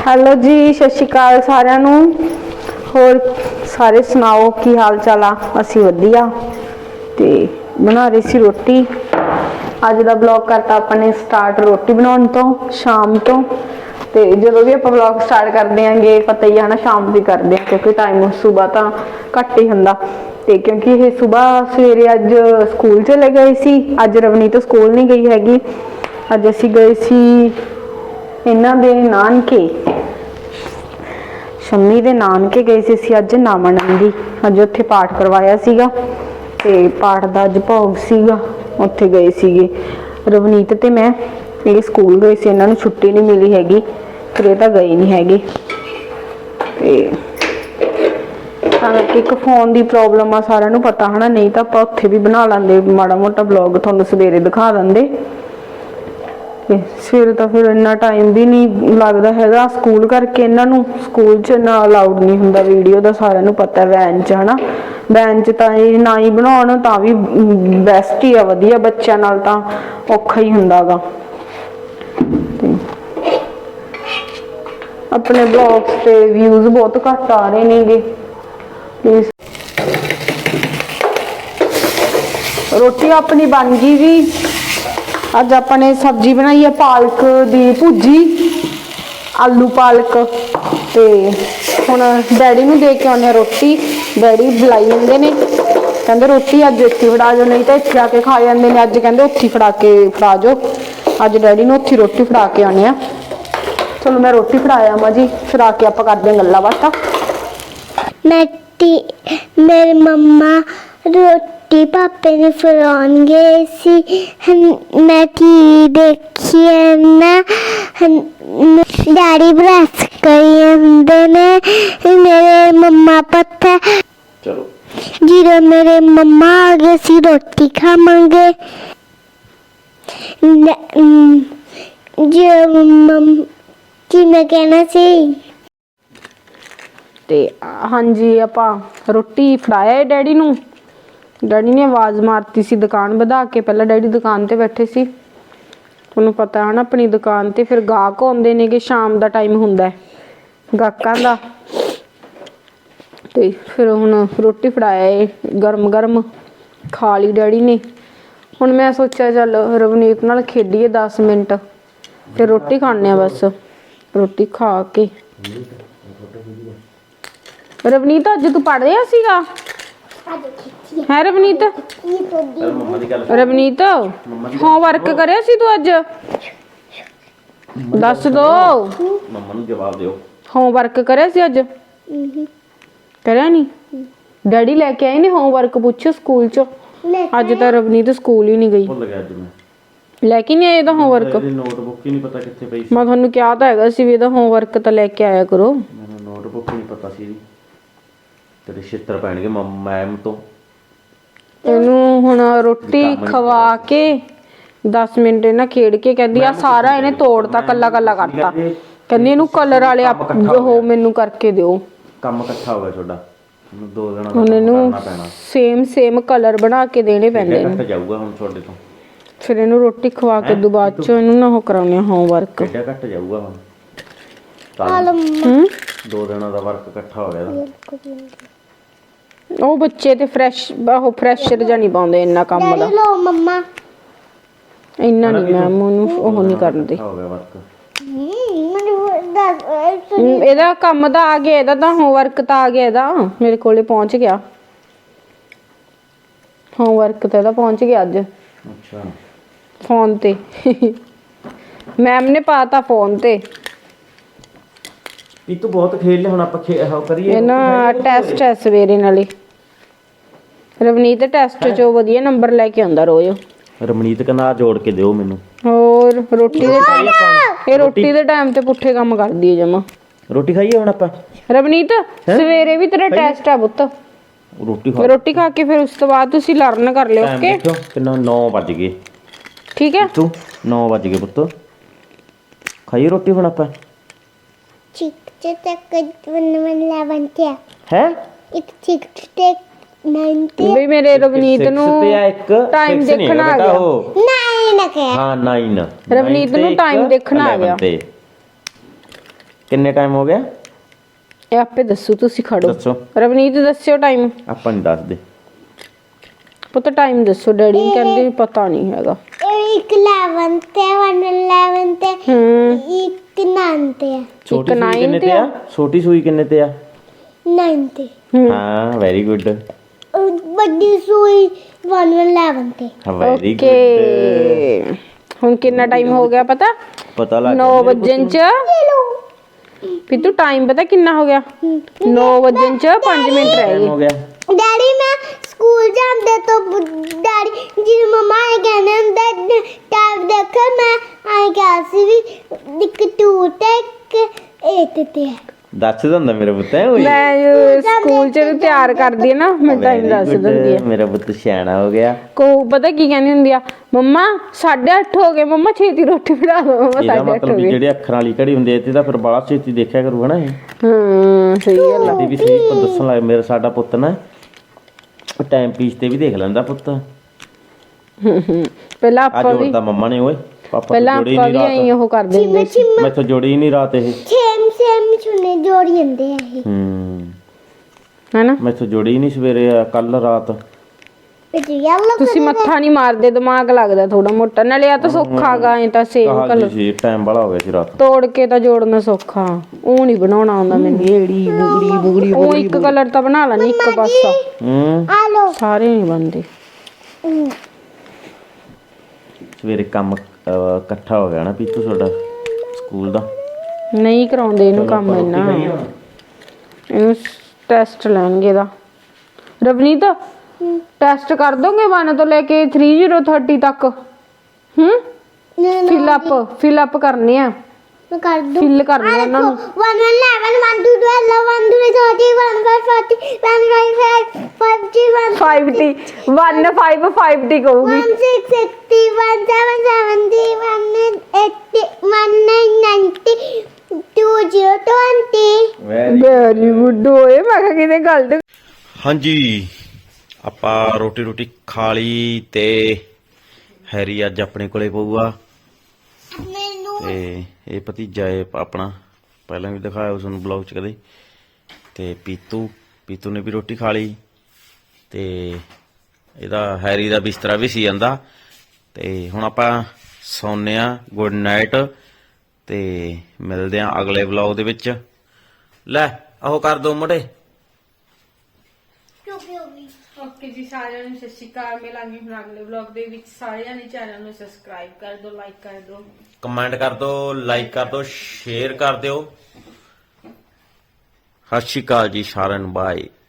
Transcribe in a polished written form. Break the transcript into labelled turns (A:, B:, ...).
A: Hello जी, सत श्री अकाल सारिਆਂ ਨੂੰ। ਹੋਰ ਸਾਰੇ ਸੁਣਾਓ ਕੀ ਹਾਲ ਚਾਲ ਆ? ਅਸੀਂ ਵਧੀਆ ਤੇ ਬਣਾ ਰਹੀ ਸੀ ਰੋਟੀ। ਅੱਜ ਦਾ ਵਲੌਗ ਕਰਤਾ ਆਪਾਂ ਨੇ ਸਟਾਰਟ ਰੋਟੀ ਬਣਾਉਣ ਤੋਂ ਸ਼ਾਮ ਤੋਂ। ਤੇ ਜਦੋਂ ਵੀ ਆਪਾਂ ਵਲੌਗ ਸਟਾਰਟ ਕਰਦੇ ਆਂਗੇ ਪਤਾ ਹੀ ਆ ਨਾ शाम ਦੀ ਕਰਦੇ ਆ क्योंकि टाइम सुबह ਤਾਂ ਘੱਟ ਹੀ ਹੁੰਦਾ। ਤੇ क्योंकि ਇਹ सुबह सवेरे ਅੱਜ ਸਕੂਲ ਚਲੇ ਗਏ ਸੀ। ਅੱਜ ਰਵਨੀਤ ਸਕੂਲ ਨਹੀਂ ਗਈ ਹੈਗੀ। ਅੱਜ ਅਸੀਂ ਗਏ ਸੀ ਇਹਨਾਂ ਦੇ ਨਾਨਕੇ, ਸ਼ੰਮੀ ਦੇ ਨਾਨਕੇ ਗਏ ਸੀ ਅਸੀਂ ਅੱਜ ਨਾਮਨੰਦੀ। ਅੱਜ ਉੱਥੇ ਪਾਠ ਕਰਵਾਇਆ ਸੀਗਾ ਤੇ ਪਾਠ ਦਾ ਅੱਜ ਭੋਗ ਸੀਗਾ, ਉੱਥੇ ਗਏ ਸੀਗੇ ਰਵਨੀਤ ਤੇ ਮੈਂ। ਇਹ ਸਕੂਲ ਗਏ ਸੀ, ਇਹਨਾਂ ਨੂੰ ਛੁੱਟੀ ਨਹੀਂ ਮਿਲੀ ਹੈਗੀ ਫਿਰ ਇਹ ਤਾਂ ਗਏ ਨਹੀਂ ਹੈਗੇ। ਤੇ ਇੱਕ ਫੋਨ ਦੀ ਪ੍ਰੋਬਲਮ ਆ ਸਾਰਿਆਂ ਨੂੰ ਪਤਾ ਹਨਾ, ਨਹੀਂ ਤਾਂ ਆਪਾਂ ਉੱਥੇ ਵੀ ਬਣਾ ਲੈਂਦੇ ਮਾੜਾ ਮੋਟਾ ਵਲੌਗ, ਤੁਹਾਨੂੰ ਸਵੇਰੇ ਦਿਖਾ ਦਿੰਦੇ। ਸਵੇਰੇ ਤਾਂ ਫਿਰ ਇੰਨਾ ਟਾਈਮ ਵੀ ਨਹੀਂ ਲੱਗਦਾ ਹੈਗਾ ਸਕੂਲ ਕਰਕੇ। ਇਹਨਾਂ ਨੂੰ ਸਕੂਲ 'ਚ ਨਾ ਅਲਾਉਡ ਨਹੀਂ ਹੁੰਦਾ ਵੀਡੀਓ ਦਾ, ਸਾਰਿਆਂ ਨੂੰ ਪਤਾ ਵੈਨ 'ਚ ਹਨਾ। ਵੈਨ 'ਚ ਤਾਂ ਇਹ ਨਾ ਹੀ ਬਣਾਉਣ ਤਾਂ ਵੀ ਬੈਸਟ ਹੀ ਆ, ਵਧੀਆ। ਬੱਚਿਆਂ ਨਾਲ ਤਾਂ ਔਖਾ ਹੀ ਹੁੰਦਾ ਗਾ। ਆਪਣੇ ਬਲੌਗਸ ਤੇ ਵਿਊਜ਼ ਬਹੁਤ ਘੱਟ ਆ ਰਹੇ ਨੇਗੇ। ਰੋਟੀ ਆਪਣੀ ਬਣ ਗਈ ਵੀ। ਅੱਜ ਆਪਾਂ ਨੇ ਸਬਜ਼ੀ ਬਣਾਈ ਹੈ ਪਾਲਕ ਦੀ ਭੁਜੀ, ਆਲੂ ਪਾਲਕ। ਤੇ ਹੁਣ ਡੈਡੀ ਨੂੰ ਦੇ ਕੇ ਆਉਂਦੇ ਹਾਂ ਰੋਟੀ। ਡੈਡੀ ਬੁਲਾਈ ਜਾਂਦੇ ਨੇ, ਕਹਿੰਦੇ ਰੋਟੀ ਅੱਜ ਇੱਥੇ ਫੜਾ ਜਾਓ, ਨਹੀਂ ਤਾਂ ਇੱਥੇ ਆ ਕੇ ਖਾ ਜਾਂਦੇ ਨੇ। ਅੱਜ ਕਹਿੰਦੇ ਉੱਥੇ ਫੜਾ ਜਾਓ। ਅੱਜ ਡੈਡੀ ਨੂੰ ਉੱਥੇ ਰੋਟੀ ਫੜਾ ਕੇ ਆਉਂਦੇ ਹਾਂ। ਚਲੋ ਮੈਂ ਰੋਟੀ ਫੜਾਇਆ ਮਾਂ ਜੀ, ਫਿਰ ਆ ਕੇ ਆਪਾਂ ਕਰਦੇ ਹਾਂ ਗੱਲਾਂ ਬਾਤਾਂ।
B: मेरे मम्मा रोटी पापे ने फरान गए सी। मैं टीवी देखी है ना, डैडी ब्रश करी ने। मेरे मम्मा पता चलो जीरो मेरे मम्मा आ गए सी रोटी खावांगे। जो की मैं कहना सी
A: ਤੇ ਹਾਂਜੀ ਆਪਾਂ ਰੋਟੀ ਫੜਾਇਆ ਡੈਡੀ ਨੂੰ। ਡੈਡੀ ਨੇ ਆਵਾਜ਼ ਮਾਰਤੀ ਸੀ ਦੁਕਾਨ ਵਧਾ ਕੇ। ਪਹਿਲਾਂ ਡੈਡੀ ਦੁਕਾਨ ਤੇ ਬੈਠੇ ਸੀ, ਤੁਹਾਨੂੰ ਪਤਾ ਹੈ ਨਾ ਆਪਣੀ ਦੁਕਾਨ ਤੇ ਫਿਰ ਗਾਹਕ ਆਉਂਦੇ ਨੇਗੇ, ਸ਼ਾਮ ਦਾ ਟਾਈਮ ਹੁੰਦਾ ਗਾਹਕਾਂ ਦਾ। ਤੇ ਫਿਰ ਹੁਣ ਰੋਟੀ ਫੜਾਇਆ ਏ ਗਰਮ ਗਰਮ, ਖਾ ਲਈ ਡੈਡੀ ਨੇ। ਹੁਣ ਮੈਂ ਸੋਚਿਆ ਚੱਲ ਰਵਨੀਤ ਨਾਲ ਖੇਡੀਏ 10 ਮਿੰਟ, ਫਿਰ ਰੋਟੀ ਖਾਣੇ ਆ ਬਸ। ਰੋਟੀ ਖਾ ਕੇ ਰਵਨੀਤ ਅੱਜ ਤੂੰ ਪੜ੍ਹ ਰਿਹਾ ਸੀਗਾ ਹੈ? ਰਵਨੀਤ ਰਵਨੀਤ ਹੋਮਵਰਕ ਕਰਿਆ ਸੀ ਤੂੰ ਅੱਜ? ਦੱਸ ਦੋ
C: ਮੰਮਾ ਨੂੰ ਜਵਾਬ ਦਿਓ।
A: ਹੋਮਵਰਕ ਕਰਿਆ ਸੀ ਅੱਜ? ਕਰਿਆ ਨਹੀਂ? ਡੈਡੀ ਲੈ ਕੇ ਆਏ ਨੇ ਹੋਮਵਰਕ, ਪੁੱਛ ਸਕੂਲ ਚ। ਅੱਜ ਤਾਂ ਰਵਨੀਤ ਸਕੂਲ ਹੀ ਨਹੀਂ ਗਈ।
C: ਭੁੱਲ ਗਿਆ ਅੱਜ ਮੈਂ
A: ਲੈ ਕੇ ਨਹੀਂ ਆਏ ਇਹਦਾ ਹੋਮਵਰਕ?
C: ਇਹਦੀ ਨੋਟਬੁੱਕ ਹੀ ਨਹੀਂ ਪਤਾ ਕਿੱਥੇ ਪਈ ਸੀ।
A: ਮੈਂ ਤੁਹਾਨੂੰ ਕਿਹਾ ਤਾਂ ਹੈਗਾ ਸੀ ਵੀ ਇਹਦਾ ਹੋਮਵਰਕ ਤਾਂ ਲੈ ਕੇ ਆਇਆ ਕਰੋ।
C: ਮੈਨੂੰ ਨੋਟਬੁੱਕ ਹੀ ਨਹੀਂ ਪਤਾ ਸੀ ਇਹਦੀ। ਤੇਰੇ ਛਿੱਤਰ ਪੈਣਗੇ ਮੈਮ ਤੋਂ।
A: ਇਹਨੂੰ ਹੁਣ ਰੋਟੀ ਖਵਾ ਕੇ 10 ਮਿੰਟ ਇਹਨਾਂ ਖੇਡ ਕੇ ਕਹਿੰਦੀ ਆ ਸਾਰਾ ਇਹਨੇ ਤੋੜਤਾ, ਕੱਲਾ ਕੱਲਾ ਕਰਤਾ। ਕਹਿੰਦੀ ਇਹਨੂੰ ਕਲਰ ਵਾਲੇ ਉਹ ਮੈਨੂੰ ਕਰਕੇ ਦਿਓ।
C: ਕੰਮ ਇਕੱਠਾ ਹੋ ਗਿਆ ਤੁਹਾਡਾ, ਮੈਨੂੰ 2 ਦਿਨਾਂ ਦਾ
A: ਹੁਣ ਇਹਨੂੰ
C: ਕਰਨਾ ਪੈਣਾ।
A: ਸੇਮ ਕਲਰ ਬਣਾ ਕੇ ਦੇਣੇ ਪੈਂਦੇ ਨੇ।
C: ਘੱਟ ਜਾਊਗਾ ਹੁਣ ਤੁਹਾਡੇ ਤੋਂ।
A: ਫਿਰ ਇਹਨੂੰ ਰੋਟੀ ਖਵਾ ਕੇ ਤੋਂ ਬਾਅਦ ਚ ਇਹਨੂੰ ਨਾ ਉਹ ਕਰਾਉਣੇ ਹੋਮਵਰਕ।
C: ਕਿੱਡਾ ਘੱਟ ਜਾਊਗਾ ਹੁਣ। 2 ਦਿਨਾਂ ਦਾ ਵਰਕ ਇਕੱਠਾ ਹੋ ਗਿਆ।
A: ਉਹ ਬੱਚੇ ਤੇ ਫਰੈਸ਼ਰ ਜਾਂ ਨਹੀਂ ਪਾਉਂਦੇ ਇੰਨਾ ਕੰਮ ਦਾ।
B: लो मम्मा
A: ਇੰਨਾ ਨਹੀਂ ਮੈਮ ਉਹਨੂੰ ਉਹ ਨਹੀਂ ਕਰਦੇ।
C: ਹੋ ਗਿਆ ਵਰਕ।
A: ਇਹਦਾ ਕੰਮ ਤਾਂ ਆ ਗਿਆ, ਇਹਦਾ ਤਾਂ ਹੋਮਵਰਕ ਤਾਂ ਆ ਗਿਆ, ਇਹਦਾ ਮੇਰੇ ਕੋਲੇ ਪਹੁੰਚ ਗਿਆ ਹੋਮਵਰਕ ਤਾਂ ਇਹਦਾ ਪਹੁੰਚ ਗਿਆ ਅੱਜ।
C: ਅੱਛਾ,
A: ਫੋਨ ਤੇ ਮੈਮ ਨੇ ਪਾਤਾ ਫੋਨ ਤੇ।
C: ਇਹ ਤੂੰ ਬਹੁਤ ਖੇਡ ਲਿਆ, ਹੁਣ ਆਪਾਂ ਕਰੀਏ।
A: ਇਹ ਨਾ ਟੈਸਟ ਹੈ ਸਵੇਰੇ ਨਾਲੇ। ਰਵਨੀਤ ਟੈਸਟ ਚੋਂ ਵਧੀਆ ਨੰਬਰ ਲੈ ਕੇ ਆਉਂਦਾ ਰੋਜ਼।
C: ਰਮਨੀਤ ਕਹਿੰਦਾ ਜੋੜ ਕੇ ਦਿਓ ਮੈਨੂੰ।
A: ਹੋਰ ਰੋਟੀ ਦੇ ਟਾਈਮ ਇਹ ਰੋਟੀ ਦੇ ਟਾਈਮ ਤੇ ਪੁੱਠੇ ਕੰਮ ਕਰਦੀ ਹੈ ਜਮਾ।
C: ਰੋਟੀ ਖਾਈਏ ਹੁਣ ਆਪਾਂ?
A: ਰਵਨੀਤ ਸਵੇਰੇ ਵੀ ਤੇਰਾ ਟੈਸਟ ਆ ਪੁੱਤ। ਰੋਟੀ ਖਾ ਕੇ ਫਿਰ ਉਸ ਤੋਂ ਬਾਅਦ ਤੁਸੀਂ ਲਰਨ ਕਰ ਲਿਓ। ਓਕੇ
C: ਕਿੰਨਾ 9 ਵੱਜ ਗਏ।
A: ਠੀਕ ਹੈ
C: ਤੂੰ 9 ਵੱਜ ਗਏ ਪੁੱਤ। ਖਾਈਏ ਰੋਟੀ ਹੁਣ ਆਪਾਂ? ਹੈ
B: एक 90
A: ਬਈ ਮੇਰੇ ਰਵਨੀਤ ਨੂੰ ਟਾਈਮ ਦੇਖਣਾ ਆ ਗਿਆ।
B: 9
C: ਹਾਂ 9
A: ਰਵਨੀਤ ਨੂੰ ਟਾਈਮ ਦੇਖਣਾ ਆ ਗਿਆ।
C: ਕਿੰਨੇ ਟਾਈਮ ਹੋ ਗਿਆ
A: ਇਹ ਆਪੇ ਦੱਸੋ, ਤੁਸੀਂ ਖੜੋ।
C: ਦੱਸੋ।
A: ਰਵਨੀਤ ਦੱਸਿਓ ਟਾਈਮ।
C: ਆਪਾਂ ਨਹੀਂ ਦੱਸਦੇ।
A: ਪਤਾ ਟਾਈਮ ਦੱਸੋ। ਡੈਡੀ ਕਹਿੰਦੇ ਪਤਾ ਨਹੀਂ ਹੈਗਾ।
B: ਇੱਕ 11 ਤੇ 111 ਤੇ ਇੱਕ 9 ਤੇ
C: ਛੋਟੀ ਸੂਈ ਕਿੰਨੇ ਤੇ ਆ? ਛੋਟੀ ਸੂਈ ਕਿੰਨੇ ਤੇ ਆ?
B: 9 ਤੇ।
C: ਹਾਂ ਵੈਰੀ ਗੁੱਡ।
B: ਵੱਡੀ ਸੂਈ 111 ਤੇ।
C: Very good.
A: ਓਕੇ ਹੁਣ ਕਿੰਨਾ ਟਾਈਮ ਹੋ ਗਿਆ ਪਤਾ
C: ਲੱਗ
A: 9 ਵਜਣ ਚ ਪਿੱਤੂ ਟਾਈਮ ਪਤਾ ਕਿੰਨਾ ਹੋ ਗਿਆ? 9 ਵਜਣ ਚ 5 ਮਿੰਟ ਰਹਿ
C: ਹੋ
A: ਗਏ।
C: ਗਿਆ।
B: ਡੈਡੀ ਮੈਂ ਸਕੂਲ ਜਾਂਦੇ ਤੋਂ ਡੈਡੀ ਜੀ ਮਮਾ ਆਏ ਕਹਿੰਦੇ ਹੁੰਦੇ ਟਾਈਮ ਦੇਖੋ ਮੈਂ ਆਏ ਕਿਹਾ ਸੀ ਵੀ ਇੱਕ 2 ਤੇ ਇੱਕ 8 ਤੇ
C: ਦੱਸ ਦਿੰਦਾ ਮੇਰਾ ਪੁੱਤ ਹੈ ਓਏ।
A: ਮੈਂ ਸਕੂਲ ਚ ਨੂੰ ਤਿਆਰ ਕਰਦੀ ਆ ਨਾ, ਮੈਂ ਟਾਈਮ ਦੱਸ ਦਿੰਦੀ ਆ।
C: ਮੇਰਾ ਪੁੱਤ ਸਿਆਣਾ ਹੋ ਗਿਆ।
A: ਕੋ ਪਤਾ ਕੀ ਕਹਿੰਦੀ ਹੁੰਦੀ ਆ, ਮੰਮਾ 8:30 ਹੋ ਗਏ, ਮੰਮਾ ਛੇਤੀ ਰੋਟੀ ਬਣਾ ਦੋ। ਮੰਮਾ
C: ਇਹਦਾ
A: 8:30
C: ਮਤਲਬ
A: ਹੋ
C: ਵੀ
A: ਗਏ।
C: ਜਿਹੜੇ ਅੱਖਰਾਂ ਵਾਲੀ ਘੜੀ ਹੁੰਦੀ ਐ ਤੇ ਤਾਂ ਫਿਰ ਬੜਾ ਛੇਤੀ ਦੇਖਿਆ ਕਰੂ ਹਨਾ ਇਹ।
A: ਸਹੀ ਗੱਲ ਆ।
C: ਤੇ ਵੀ ਸਹੀ ਪਰ ਦੱਸਣ ਲੱਗ ਮੇਰਾ ਸਾਡਾ ਪੁੱਤ ਨਾ ਟਾਈਮ ਪੀਸ ਤੇ ਵੀ ਦੇਖ ਲੈਂਦਾ ਪੁੱਤ।
A: ਪਹਿਲਾਂ
C: ਆ
A: ਆਪਾਂ ਵੀ
C: ਜੋੜਦਾ ਮੰਮਾ ਨੇ ਓਏ। ਪਾਪਾ
A: ਪਹਿਲਾਂ
C: ਤੋਂ ਜੋੜੀ
A: ਆਪਾਂ
C: ਨਹੀਂ
A: ਵੀ ਐਂ
C: ਰਾਤ।
A: ਉਹ ਕਰ ਦਿੰਦੇ ਸੀ।
C: ਮੈਥੋਂ ਜੋੜੀ ਹੀ ਨਹੀਂ ਰਾਤ ਇਹ।
B: ਸੇਮ ਛੁਨੇ ਜੋੜੀ ਜਾਂਦੇ ਆ ਇਹ
A: ਹੈਨਾ।
C: ਮੈਥੋਂ ਜੋੜੀ ਹੀ ਨਹੀਂ ਸਵੇਰੇ ਕੱਲ ਰਾਤ।
B: ਵਿੱਚ ਯੈਲੋ
A: ਤੁਸੀਂ ਮੱਥਾ ਨਹੀਂ ਮਾਰਦੇ, ਦਿਮਾਗ ਲੱਗਦਾ ਥੋੜਾ ਮੋਟਾ। ਨਾਲੇ ਆ ਤਾਂ ਸੌਖਾ ਗਾ, ਐ ਤਾਂ ਸੇਮ
C: ਕਹਾ
A: ਕਲਰ
C: ਜੀ ਟਾਈਮ ਬੜਾ ਹੋ ਗਿਆ ਸੀ ਰਾਤ।
A: ਤੋੜ ਕੇ ਤਾਂ ਜੋੜਨਾ ਸੌਖਾ, ਉਹ ਨਹੀਂ ਬਣਾਉਣਾ ਆਉਂਦਾ ਮੈਨੂੰ।
C: ਏੜੀ ਬੁਗੜੀ
A: ਉਹ ਇੱਕ ਕਲਰ ਤਾਂ ਬਣਾ ਲੈਣੀ, ਇੱਕ ਪਾਸਾ।
B: ਆ ਲੋ
A: ਸਾਰੇ ਨਹੀਂ ਬਣਦੇ।
C: ਸਵੇਰੇ ਕੰਮ ਇਕੱਠਾ ਹੋ ਗਿਆ ਨਾ ਪੀਤੂ ਤੁਹਾਡਾ ਸਕੂਲ ਦਾ।
A: ਨਹੀਂ ਕਰਾਉਂਦੇ ਇਹਨੂੰ ਕੰਮ ਇੰਨਾ। ਇਹਨੂੰ ਟੈਸਟ ਲੈਣਗੇ ਦਾ। ਰਵਨੀਤ ਟੈਸਟ ਕਰ ਦੋਗੇ 1 ਤੋਂ ਲੈ ਕੇ 3030 ਤੱਕ। ਫਿਲ ਅਪ ਕਰਨੇ ਆ,
B: ਮੈਂ ਕਰ ਦੂੰ।
A: ਫਿਲ ਕਰਨੇ ਆ ਉਹਨਾਂ ਨੂੰ।
B: 111 1 2 12 1 2 30 1 5 40 1 5 5
A: 5T 1 5 5T ਕਹੂਗੀ।
B: 1 6 60 1 7 70 1 80 1 90 2 0 20।
A: ਵੈਰੀ ਗੁੱਡ ਹੋਏ। ਮੈਂ ਕਿਹਾ ਕਿਤੇ ਗਲਤ।
C: ਹਾਂਜੀ ਆਪਾਂ ਰੋਟੀ ਖਾ ਲਈ ਤੇ ਹੈਰੀ ਅੱਜ ਆਪਣੇ ਕੋਲੇ ਪਊਗਾ ਤੇ ਇਹ ਭਤੀਜਾ ਏ ਆਪਣਾ, ਪਹਿਲਾਂ ਵੀ ਦਿਖਾਇਆ ਉਸ ਨੂੰ ਬਲੌਗ ਚ ਕਦੇ। ਤੇ ਪੀਤੂ ਨੇ ਵੀ ਰੋਟੀ ਖਾ ਲਈ ਤੇ ਇਹਦਾ ਹੈਰੀ ਦਾ ਬਿਸਤਰਾ ਵੀ ਸੀ ਜਾਂਦਾ। ਤੇ ਹੁਣ ਆਪਾਂ ਸੌਂਨੇ ਆ। ਗੁੱਡ ਨਾਈਟ ਤੇ ਮਿਲਦੇ ਆ ਅਗਲੇ ਬਲੌਗ ਦੇ ਵਿੱਚ। ਲੈ ਆਹੋ ਕਰ ਦੋ ਮੁੰਡੇ।
A: ਓਕੇ ਜੀ ਸਾਰਿਆਂ ਨੂੰ ਸਤਿ ਸ਼੍ਰੀ ਅਕਾਲ। ਮਿਲਾਂਗੇ ਹੁਣ ਅਗਲੇ ਵਲੌਗ ਦੇ ਵਿੱਚ। ਸਾਰਿਆਂ ਨੇ ਚੈਨਲ ਨੂੰ ਸਬਸਕ੍ਰਾਈਬ ਕਰ ਦਿਓ, ਲਾਈਕ ਕਰ ਦਿਓ,
C: ਕਮੈਂਟ ਕਰ ਦਿਓ, ਲਾਈਕ ਕਰ ਦਿਓ, ਸ਼ੇਅਰ ਕਰ ਦਿਓ। ਸਤਿ ਸ਼੍ਰੀ ਅਕਾਲ ਜੀ ਸਾਰਿਆਂ ਨੂੰ, ਬਾਏ।